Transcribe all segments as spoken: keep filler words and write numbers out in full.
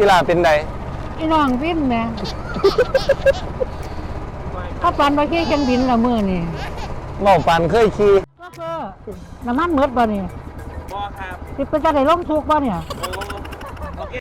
กีฬาเป็นใดอีน้องบินแหม่ถ้าปันไปขี่เครื่องบินละมื้อนี่เว้าปันเคยขี่ก็คือน้ำมันหมดบ่นี่บ่ครับสิไปจะได้ลงทุกบ่เนี่ยโอเค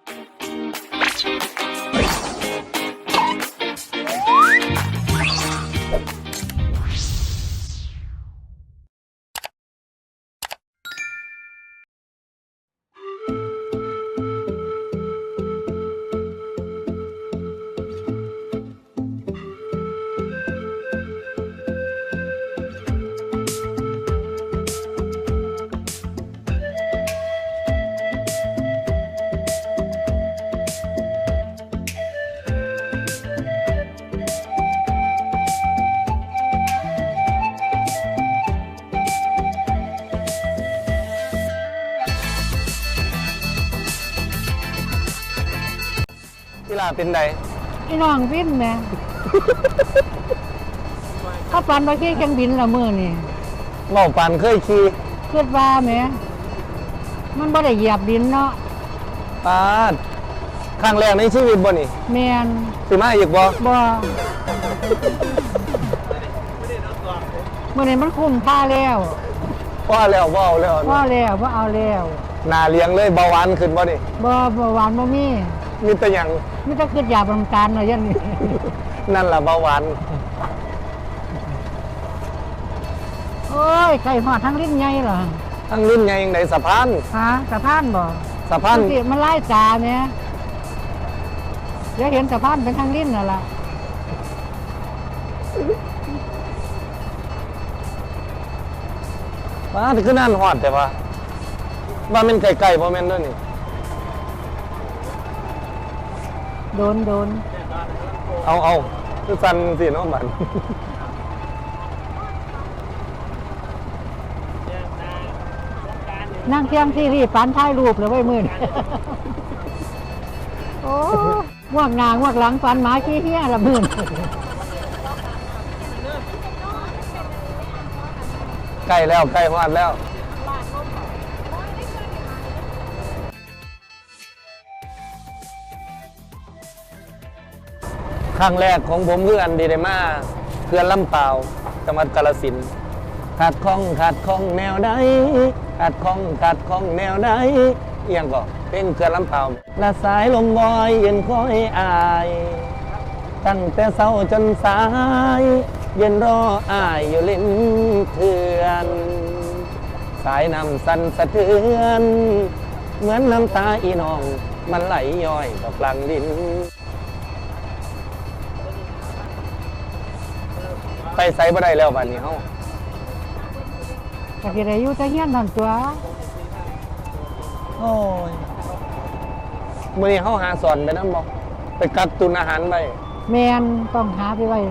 กีฬาเป็นใดอีน้องบินแหม่ถ้าปันไปขี่เครื่องบินละมื้อนี่เว้าปันเคยขี่คิดว่าแหมมันบ่ได้เหยียบดินเนาะปาดครั้งแรกในชีวิตบ่นี่แม่นสิมาอีกบ่บ่มื้อนี้มันคุ้มค่าแล้วพอแล้วบ่เอาแล้วพอแล้วบ่เอาแล้วหน้าเลี้ยงเลยเบาหวานขึ้นบ่นี่บ่เบาหวานบ่มีมีแต่หยังมีแต่คิดอยากน้ำตาลเนาะอย่างนี้นั่นล่ะเบาหวานโอ้ยไก่หอดทั้งลิ้นใหญ่เหรอทั้งรุ่นใหญ่ยังไดสะพานฮะสะพานบ่สะพานสิมันไล่จ่าแม่เดี๋ยวเห็นสะพานเป็นทั้งลิ้นน่ะล่ะว้าแต่คือนั่นฮอดแต่ว่าว่ามันไกลๆบ่แม่นเด้อนี่โดนโดนเอาเอาคือสั่นสิเนาะบัดนั่งเที่ยงที่รีบปานถ่ายรูปเลยไว้มื้อนี้โอ้งวกหน้างวกหลังปานหมาขี้เหี้ยละมื้อนี้ใกล้แล้วใกล้ฮอดแล้วครั้งแรกของผมคืออันดีได้มาเพื่อนลำเปล่าจังหวัดกาฬสินธุ์ขาดข้องขาดข้องแนวใดขาดข้องขาดข้องแนวใดเอียงก็เป็นเพื่อนลำเปล่าละสายลมวอยเย็นคอยอายตั้งแต่เช้าจนสายเย็นรออายอยู่ลิ้นเถื่อนสายน้ำสั่นสะเทือนเหมือนน้ำตาอีน้องมันไหลย้อยกับกลางดินไปไซบ่ได้แล้วบัดนี้เฮาก็สิได้อยู่แต่เฮียนนั่นตัวโอ้ยมื้อนี้เฮาหาสอนไปนำบ่ไปกักตุนอาหารไว้แม่นต้องหาไปไว้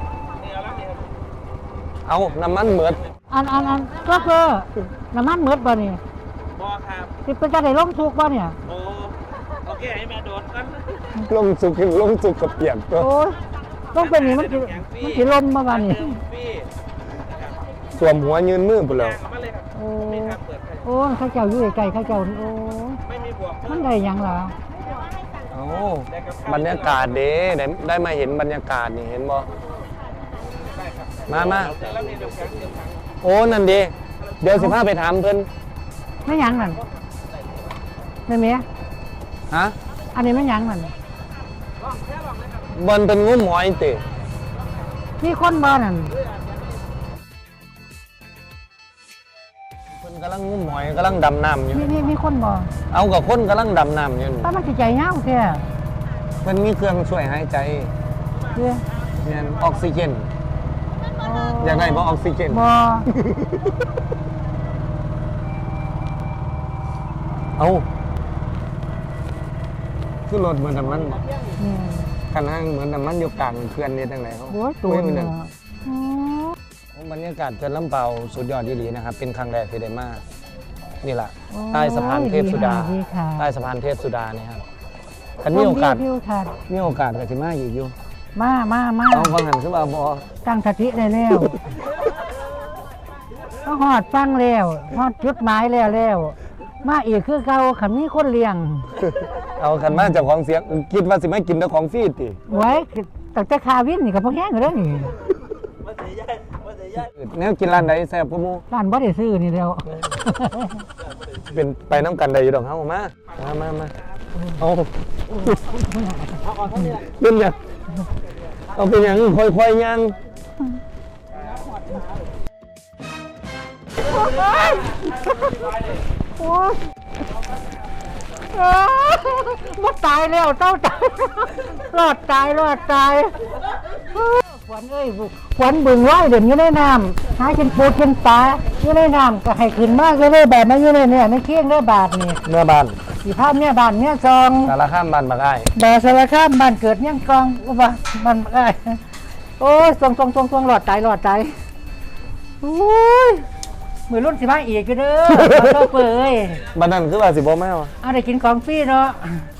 เอาน้ำมันหมดอันอันอันก็คือน้ำมันหมดบ่นี่บ่ครับสิไปจะได้ลงทุกบ่เนี่ยโอ้โอเคให้แม่โดนกันลงสุกลงสุกกับเปียกตัวโอ้ยต้องเป็นนี่มันสิมันสิลมมาบ่นี่สวมหัวยืนมือพุ่นแล้วโอ้โอ้เขาเจ้าอยู่ไกลเขาเจ้าโอ้ไม่มีบวกมันได้หยังล่ะโอ้บรรยากาศเด้ได้ได้มาเห็นบรรยากาศนี่เห็นบ่มามาโอ้นั่นดิเดี๋ยวสิพาไปถามเพิ่นไม่หยังนั่นแม่เมียฮะอันนี้ไม่หยังนั่นบนเป็นงุ้มหอยติมีคนบ่นั่นเพิ่นกำลังงุ้มหอยกำลังดำน้ำอยู่มีมีมีคนบ่เอากับคนกำลังดำน้ำอยู่ถ้ามันสิใจยาวแท้เพิ่นมีเครื่องช่วยหายใจเด้อเนี่ยออกซิเจนอยากได้บ่ออกซิเจนบ่เอาคือรถเหมือนน้ำมันคันห้างเหมือนน้ำมันอยู่กลางเขื่อนนี่ตั้งไหนเขาโอ้ยตัวนึงบรรยากาศเขื่อนลำเปาสุดยอดดีๆนะครับเป็นครั้งแรกที่ได้มานี่แหละใต้สะพานเทพสุดาใต้สะพานเทพสุดาเนี่ยครับคันมีโอกาสมีโอกาสกับสิมาอีกอยู่มามามาเอาฟังหันขึ้นมาบอตั้งสติได้แล้วก็หอดฟังแล้วหอดจุดหมายแล้วแล้วมาอีกคือเก่าขันมีคนเลี้ยงเอาคันมาเจ้าของเสียงคิดว่าสิไม่กินเจ้าของฟรีติไว้ตั้งแต่คาวินนี่ก็พอแห้งอยู่แล้วนี่มาเสียย่ายมาเสียย่ายแนวกินร้านใดแซ่บกว่าหมู่ร้านบ่ได้ซื้อนี่แล้วเป็นไปน้ำกันได้อยู่ดอกเฮามามามามาเอาเอาออกเท่านี้แหละเป็นหยังเอาเป็นหยังค่อยๆย่างโอ้ยว่าตายแล้วเต้าตายรอดตายรอดตายขวัญเอ้ยขวัญบึงไว้เด่นอยู่ในน้ำหากินปูกินปลาอยู่ในน้ำก็ให้ขึ้นมากเลยแบบนั้นอยู่ในเนี่ยในเคียงได้บาทนี่เมื่อบ้านสีภาพเนี่ยบานเนี่ยซองสารข้ามบ้านบักอ้ายบาสารคามบ้านเกิดเนี่ยกองอุบะมันไอ้โอ้ยทรงทรงทรงทรงหลอดตายหลอดตายโอ้ยมือรุ่นสิบ้าอีกอยู่เด้อขอโทษเปื่อยบ้านนั้นคือว่าสิบ่แม่วะเอาได้กินของฟรีเนาะ